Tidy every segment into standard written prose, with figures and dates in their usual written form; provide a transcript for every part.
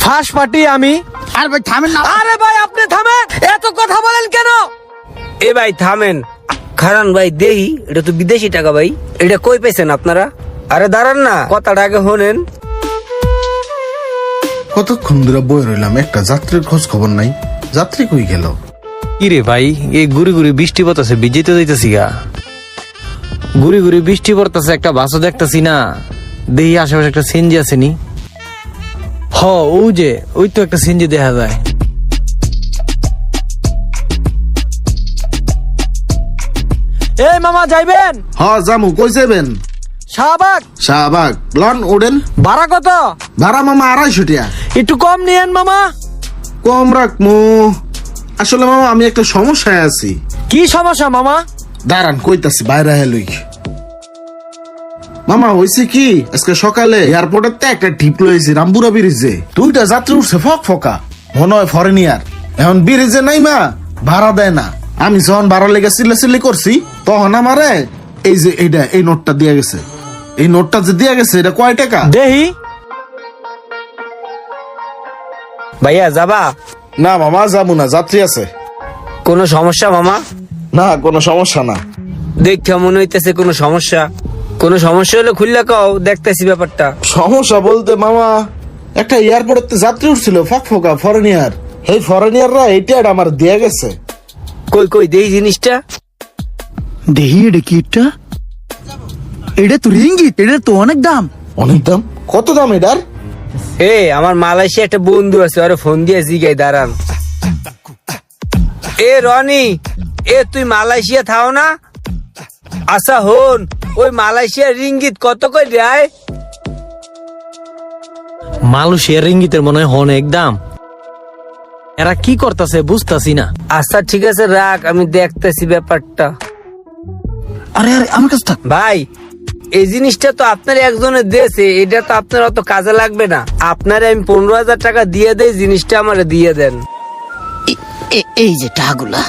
First party আমি। আর ভাই থামেন না। আরে ভাই আপনি থামেন, এত কথা বলেন কেন? এ ভাই থামেন, খারান ভাই দেহি, এটা তো বিদেশি টাকা ভাই, এটা কই পেয়েছেন আপনারা? আরে দাঁড়ান না, কথাটা আগে শোনেন। কতক্ষণ ধরে বই রইলাম, একটা যাত্রীর খোঁজ খবর নাই। যাত্রী কই গেল? কিরে ভাই, এই গুড়ি গুড়ি বৃষ্টি পড়তেছে, ভিজে তো যাইতেছি গা। গুড়ি গুড়ি বৃষ্টি পড়তেছে, একটা বাসও দেখতেছি না। দেখি আশেপাশে একটা সিনজি আছে নি। হ, ওই তো একটা সিনজি দেখা যায়। এই মামা যাইবেন? হ্যাঁ জামু, কই যাবেন? শাহবাগ। শাহবাগ লন ওডেন। ভাড়া কত? ভাড়া মামা 250 টাকা। একটু কম নিয়েন মামা। কম রাখমু। আসলে মামা আমি একটা সমস্যায় আছি। কি সমস্যা মামা? দাঁড়ান কইতাছি, বাইরে হেলুই। মামা হয়েছে কি, আজকে সকালে এয়ারপোর্টের তে একটা টিপ লইছি রামপুরা ব্রিজে। 2টা যাত্রী উঠছে ফক ফকা, মনে হয় ফরেনিয়ার। এখন ব্রিজে নাই মা, ভাড়া দেয় না। আমি যখন ভাড়া লেগে চিল্লাচিল্লি করছি, তখন আমারে এই যে এই নোটটা দিয়ে গেছে। এই নোটটা যে দিয়ে গেছে, এটা কয় টাকা? দেহি। ভাইয়া যাবা? না মামা যাবো না, যাত্রী আছে। কোনো সমস্যা মামা? না কোনো সমস্যা না। দেখে মনে হইতেছে কোনো সমস্যা। কোনো সমস্যা হলে খুললে কও, দেখতেছি ব্যাপারটা। সমস্যা বলতে মামা, একটা এয়ারপোর্টে যাত্রী উঠছিল ফক ফকা ফরেনিয়ার। এই ফরেনিয়াররা এইটা আমার দিয়ে গেছে। কই কই দেই জিনিসটা। দেহি এটা কি? এটা তো রিঙ্গিত, এটা তো অনেক দাম। অনেক দাম? কত দাম এটার? এ আমার মালয়েশিয়া একটা বন্ধু আছে, ওরে ফোন দিয়ে জিগাই, দাঁড়ান। এ রনি, এ তুই মালয়েশিয়া থাও না? আচ্ছা হন, ওই মালয়েশিয়ার রিঙ্গিত কত কই দেয়? মালয়েশিয়ার রিঙ্গিতের মনে হয় অনেক দাম। এরা কি করতেছে বুঝতাছি না। আচ্ছা ঠিক আছে রাখ, আমি দেখতেছি ব্যাপারটা। আরে আরে আমার কাছে থাক। ভাই এই জিনিসটা তো আপনার একজনের দেশে, এটা তো আপনার অত কাজে লাগবে না। আপনারে আমি 15,000 টাকা দিয়ে দেই, জিনিসটা আমারে দিয়ে দেন। এই যে টাকাগুলা।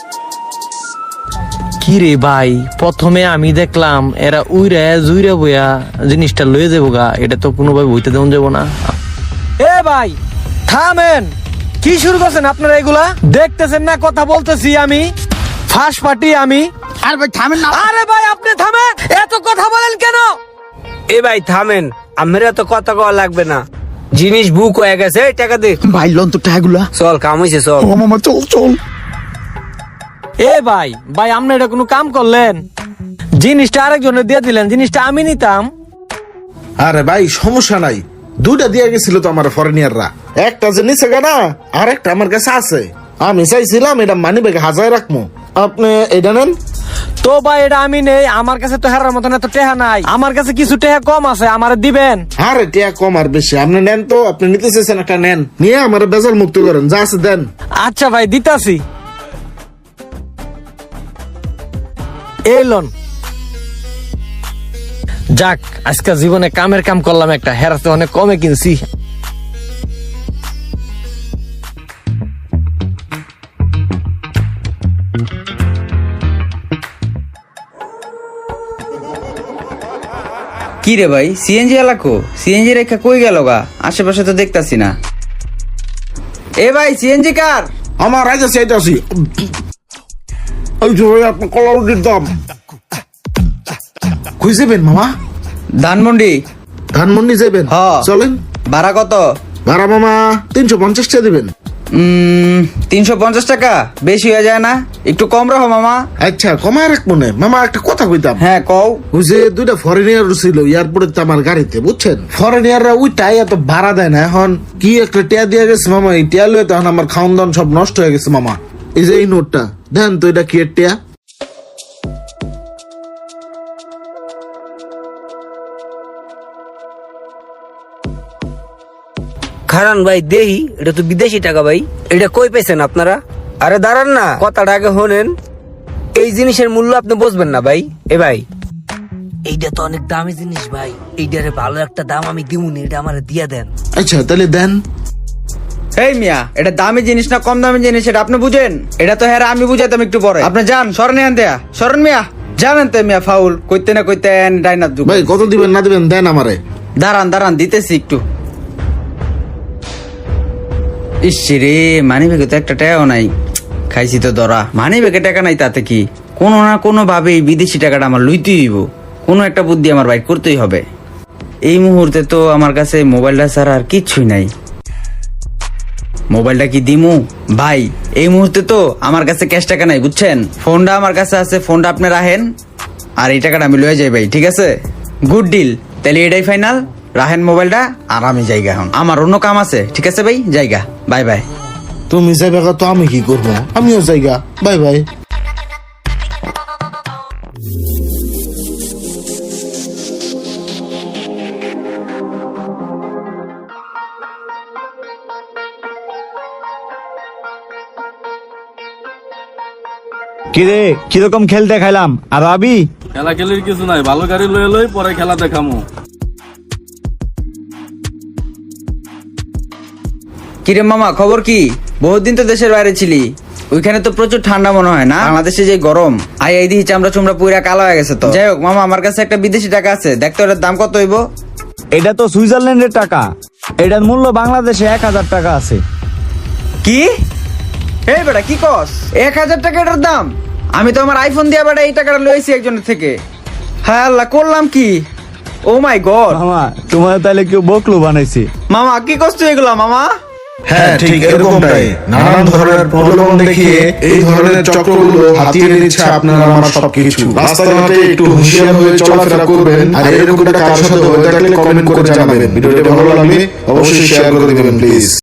কি রে ভাই, প্রথমে আমি দেখলাম এরা উইরা জুইরা বইয়া জিনিসটা লয়ে যাবো গা, এটা তো কোনোভাবে বইতে দেওয়া যাবো না। এ ভাই থামেন, কি শুরু করছেন আপনারা এগুলা? দেখতেছেন না কথা বলতেছি আমি? ফার্স্ট পার্টি আমি। আর ভাই থামেন না। আরে ভাই আপনি থামেন, এত কথা বলেন কেন? এ ভাই থামেন, আমার এত কথা কওয়া লাগবে না। জিনিস বুক হয়ে গেছে, এই টাকা দে। ভাই লন তো টাকাগুলা। চল কাম হইছে, চল। ও মামা চল চল। এ ভাই ভাই আপনি এটা কোনো কাম করলেন? জিনিসটা আরেকজনের দিয়ে দিলেন, জিনিসটা আমি নিতাম। আরে ভাই সমস্যা নাই, 2টা দিয়ে গেছিল তো আমার ফরেনিয়াররা। একটা যে নিচে গা না, আর একটা আমার কাছে আছে। আমি চাইছিলাম এটা মানি ব্যাগে হাজার রাখবো, আপনি এটা নেন। তো ভাই এটা আমি নেই, আমার কাছে তো হেরার মতন এত টেহা নাই। আমার কাছে কিছু টেহা কম আছে, আমার দিবেন? আরে টিয়া কম আর বেশি আপনি নেন তো, আপনি নিতে চাইছেন একটা নেন, নিয়ে আমার বেজাল মুক্ত করেন, যা আছে দেন। আচ্ছা ভাই দিতাছি। এলন যাক, আজকে জীবনে কামের কাম করলাম একটা, হেরাতে অনেক কমে কিনছি। কি রে ভাই, সিএনজি এলাকো? সিএনজি রেখা কই গেল গা? আশেপাশে তো দেখতাছি না। এ ভাই সিএনজি কার? আমার রাজা চাইতেছি। ওই যে ভাই আপনার কলার দাম কই যাবেন মামা? ধানমন্ডি। ধানমন্ডি যাবেন? হ্যাঁ। চলেন। ভাড়া কত? ভাড়া মামা 350 টাকা দিবেন। 350 টাকা বেশি হয়ে যায় না? একটু কম রাখো মামা। আচ্ছা কমায় রাখবো না মামা, একটা কথা কইতাম। হ্যাঁ কও। ওই যে 2টা ফরেনিয়ার ছিল এয়ারপোর্টে আমার গাড়িতে, বুঝছেন? ফরেনিয়াররা ওইটাই এত ভাড়া দেয় না। এখন কি একটা টিয়া দিয়ে গেছে মামা, এই টিয়া লয়ে তখন আমার খাওন দাওন সব নষ্ট হয়ে গেছে মামা। এই যে এই নোটটা দেন তো, এটা কি এর টিয়া? খারান ভাই দেহি, এটা তো বিদেশি টাকা ভাই, এটা কই পেয়েছেন আপনারা? আরে দাঁড়ান না, কথাটা আগে শোনেন। এই জিনিসের মূল্য আপনি বুঝবেন না ভাই। এ ভাই এইটা তো অনেক দামি জিনিস ভাই, এইটারে ভালো একটা দাম আমি দিমুনি, এটা আমারে দিয়া দেন। আচ্ছা তাহলে দেন। এই মিয়া, এটা দামি জিনিস না কম দামি জিনিস এটা আপনি বুঝেন? এটা তো হ্যাঁ আমি বুঝাইতাম একটু পরে। আপনি যান, সরণ আন দেয়া, সরণ মিয়া, জানেন তো মিয়া ফাউল কইতে না কইতেন ডাইনার যুগ। ভাই কত দিবেন না দিবেন দেন আমারে। দাঁড়ান দাঁড়ান দিতেছি একটু। ইস রে, মানি ব্যাগে তো একটা টাকাও নাই, খাইছি তো ধরা। মানি ব্যাগে টাকা নাই তাতে কি, কোনো না কোনো ভাবে এই বিদেশি টাকাটা আমার লইতেই হইব, কোনো একটা বুদ্ধি আমার বাইর করতেই হবে। এই মুহূর্তে তো আমার কাছে মোবাইলটা ছাড়া আর কিচ্ছুই নাই। মোবাইলটা কি দিমু ভাই? এই মুহূর্তে তো আমার কাছে ক্যাশ টাকা নাই, বুঝছেন? ফোনটা আমার কাছে আছে, ফোনটা আপনি রাখেন, আর এই টাকাটা আমি লয়ে যাই ভাই, ঠিক আছে? গুড ডিল, তাহলে এটাই ফাইনাল। রাখেন মোবাইলটা, আর আমি জায়গা, এখন আমার অন্য কাম আছে, ঠিক আছে ভাই? জায়গা, বাই বাই। তুমি যাইবা তো আমি কি করবো? আমিও যাইগা, বাই বাই। কিরে কিরকম খেল দেখাইলাম, আর আবি? খেলা খেলির কিছু নাই, ভালো গাড়ি লয়ে লই পরে খেলা দেখামু। কিরে মামা, খবর কি? বহুত দিন তো দেশের বাইরে ছিলি, ওইখানে তো প্রচুর ঠান্ডা মনে হয় না? বাংলাদেশে যে গরম, এই দিহি চামড়া চুমড়া পুরা কালো হয়ে গেছে তো। যাই হোক মামা, আমার কাছে একটা বিদেশি টাকা আছে, দেখতো এটার দাম কত হইব? এটা তো সুইজারল্যান্ডের টাকা, এটার মূল্য বাংলাদেশে 1000 টাকা আছে। কি? এই বেটা কি কস? 1000 টাকা এটার দাম? আমি তো আমার আইফোন দিয়ে বেটা এই টাকাটা লইছি একজনের থেকে। হ্যাঁ আল্লাহ, করলাম কি? ও মাই গড মামা, তোমার তাহলে কেউ বকলু বানাইছে। মামা, কি কষ্ট এগুলা মামা? হ্যাঁ ঠিক এরকমটাই, নানান ধরনের প্রলোভন দেখিয়ে এই ধরনের চক্রগুলো হাতিয়ে নিচ্ছে আপনার আমার সবকিছু। রাস্তাঘাটে একটু হুঁশিয়ার হয়ে চলাফেরা করবেন, আর এরকম কারোর সাথে হয়ে থাকলে কমেন্ট করে জানাবেন। ভিডিওটি ভালো লাগলে অবশ্যই শেয়ার করে দিবেন প্লিজ।